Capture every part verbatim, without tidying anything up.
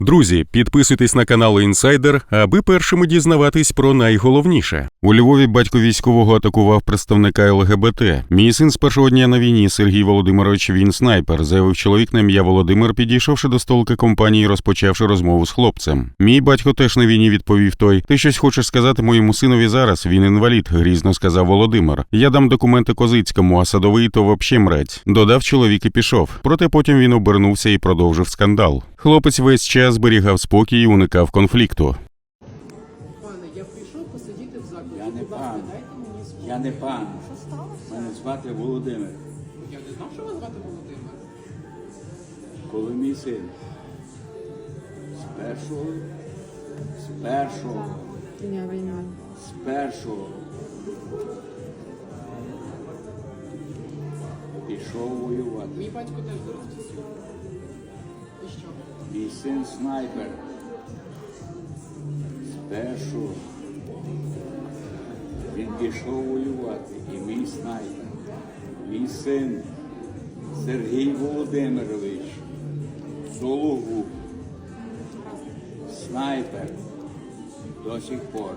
Друзі, підписуйтесь на канал Інсайдер, аби першими дізнаватись про найголовніше. У Львові батько військового атакував представника ЛГБТ. Мій син з першого дня на війні, Сергій Володимирович, він снайпер, заявив чоловік на ім'я Володимир, підійшовши до столика компанії і розпочавши розмову з хлопцем. Мій батько теж на війні, відповів той. Ти щось хочеш сказати моєму синові зараз? Він інвалід, грізно сказав Володимир. Я дам документи Козицькому, а Садовий то вообще мрець. Додав чоловік і пішов. Проте потім він обернувся і продовжив скандал. Хлопець весь час зберігав спокій і уникав конфлікту. Пане, я прийшов посидіти в закладі. Я не Будь ласка, пан. дайте мені слово. Я не пан. Що сталося? Мене звати Володимир. Я не знав, що вас звати Володимир. Коли мій син з першого, з першого, з першого пішов воювати. Мій батько теж зараз в ТСЮ. І що? Мій син снайпер. З першого він пішов воювати. І мій снайпер. Мій син Сергій Володимирович. Сологуб. Снайпер. До сих пор.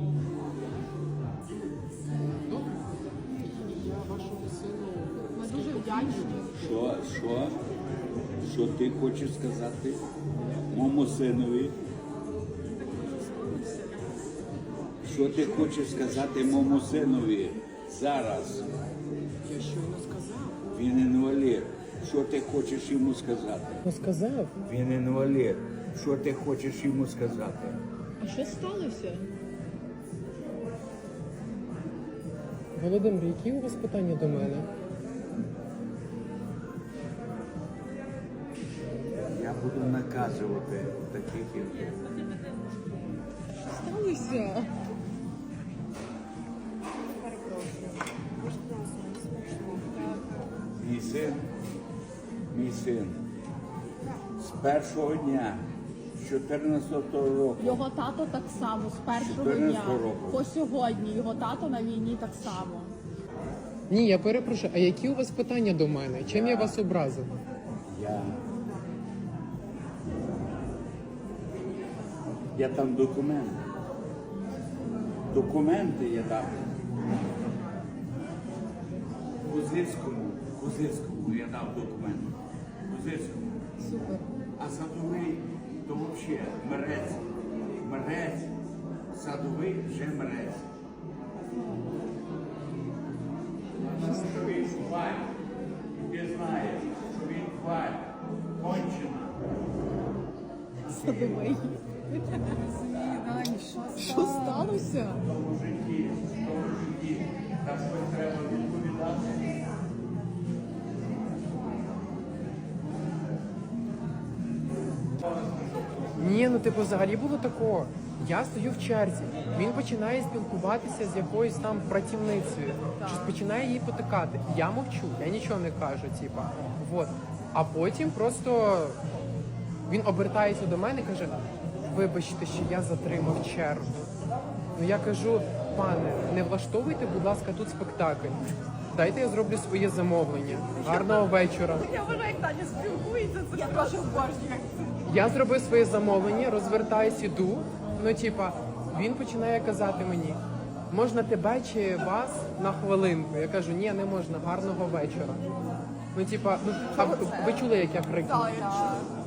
Добре. Я вашому сину. Ми дуже вдячні. Що, що? Що ти хочеш сказати моєму синові? Що ти хочеш сказати моєму синові зараз? Я щойно сказав. Він інвалід. Що ти хочеш йому сказати? Ну сказав. Він інвалід. Що ти хочеш йому сказати? А що сталося? Володимир, які у вас питання до мене? Я буду наказувати таких як Сталося? мій син, мій син. З першого дня, з чотирнадцятого року. Його тато так само, з першого дня чотирнадцятого року. по сьогодні. Його тато на війні так само. Ні, я перепрошую, а які у вас питання до мене? Чим я вас образив? Я... Я там документи. Документи я дав. Козицькому, Козицькому я дав документи. Козицькому. Супер. А Садовий то взагалі мерець. Мерець. Садовий вже мерець. Що він хваль. І ти знаєш, що він хваль. Кончена. Садовий. Що сталося? В тому житті, в тому житті. Так що треба відповідати. Ні, ну типу взагалі було такого. Я стою в черзі, він починає спілкуватися з якоюсь там працівницею, щось починає її потикати. Я мовчу, я нічого не кажу, типа. Вот. А потім просто він обертається до мене і каже: вибачте, що я затримав чергу. Ну я кажу: пане, не влаштовуйте, будь ласка, тут спектакль. Дайте я зроблю своє замовлення. Гарного вечора. Я вважаю, як Таня спілкується, це я теж обожнюю. Я зробив своє замовлення, розвертаюсь, іду. Ну, типа, він починає казати мені: можна тебе чи вас на хвилинку? Я кажу: ні, не можна, гарного вечора. Ну, типа, ну, а ви чули, як я крикнув? Так,